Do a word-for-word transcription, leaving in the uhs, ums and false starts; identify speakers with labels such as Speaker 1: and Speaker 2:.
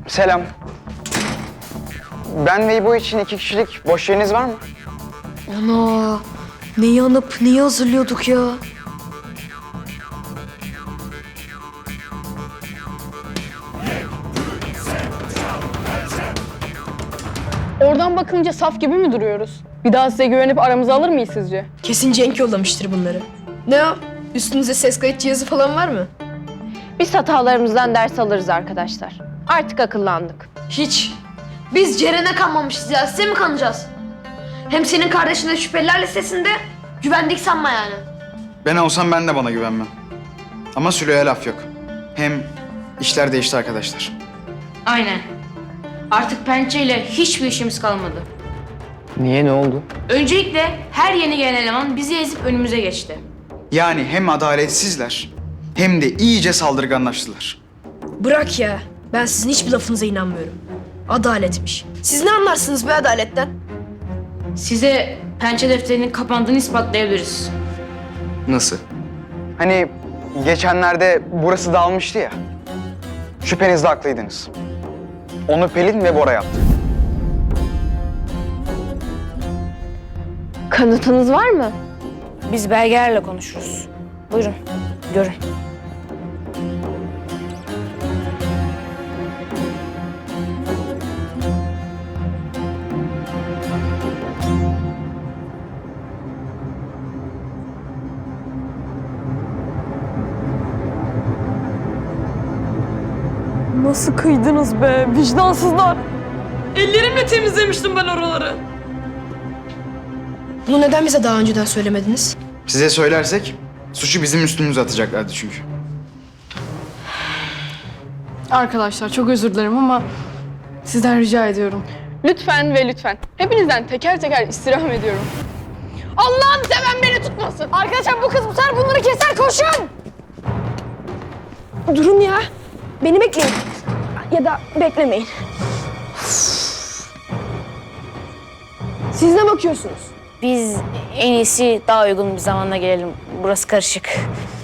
Speaker 1: Selam. Ben ve İbo için iki kişilik boş yeriniz var mı?
Speaker 2: Ana, neyi anıp neyi hazırlıyorduk ya?
Speaker 3: Oradan bakınca saf gibi mi duruyoruz? Bir daha size güvenip aramıza alır mıyız sizce?
Speaker 2: Kesin Cenk yollamıştır bunları. Ne o? Üstünüzde ses kayıt cihazı falan var mı?
Speaker 4: Biz hatalarımızdan ders alırız arkadaşlar. Artık akıllandık.
Speaker 2: Hiç. Biz Ceren'e kanmamışız ya. Size mi kanacağız? Hem senin kardeşin de şüpheliler listesinde. Güvendik sanma yani.
Speaker 5: Ben olsam ben de bana güvenmem. Ama Sülo'ya laf yok. Hem işler değişti arkadaşlar.
Speaker 6: Aynen. Artık pençeyle hiçbir işimiz kalmadı.
Speaker 1: Niye, ne oldu?
Speaker 6: Öncelikle her yeni gelen eleman bizi ezip önümüze geçti.
Speaker 5: Yani hem adaletsizler hem de iyice saldırganlaştılar.
Speaker 2: Bırak ya. Ben sizin hiçbir lafınıza inanmıyorum. Adaletmiş. Siz ne anlarsınız be adaletten?
Speaker 6: Size pençe defterinin kapandığını ispatlayabiliriz.
Speaker 5: Nasıl?
Speaker 1: Hani geçenlerde burası dağılmıştı ya. Şüphenizde haklıydınız. Onu Pelin ve Bora yaptı.
Speaker 4: Kanıtınız var mı? Biz belgelerle konuşuruz. Buyurun, görün.
Speaker 2: Nasıl kıydınız be vicdansızlar? Ellerimle temizlemiştim ben oraları. Bunu neden bize daha önceden söylemediniz?
Speaker 5: Size söylersek suçu bizim üstümüze atacaklardı çünkü.
Speaker 3: Arkadaşlar çok özür dilerim ama sizden rica ediyorum. Lütfen ve lütfen. Hepinizden teker teker istirham ediyorum. Allah'ını seven beni tutmasın.
Speaker 2: Arkadaşlar bu kız bu sefer bunları keser, koşun! Durun ya. Beni bekleyin. Ya da beklemeyin. Siz ne bakıyorsunuz?
Speaker 4: Biz en iyisi daha uygun bir zamanda gelelim. Burası karışık.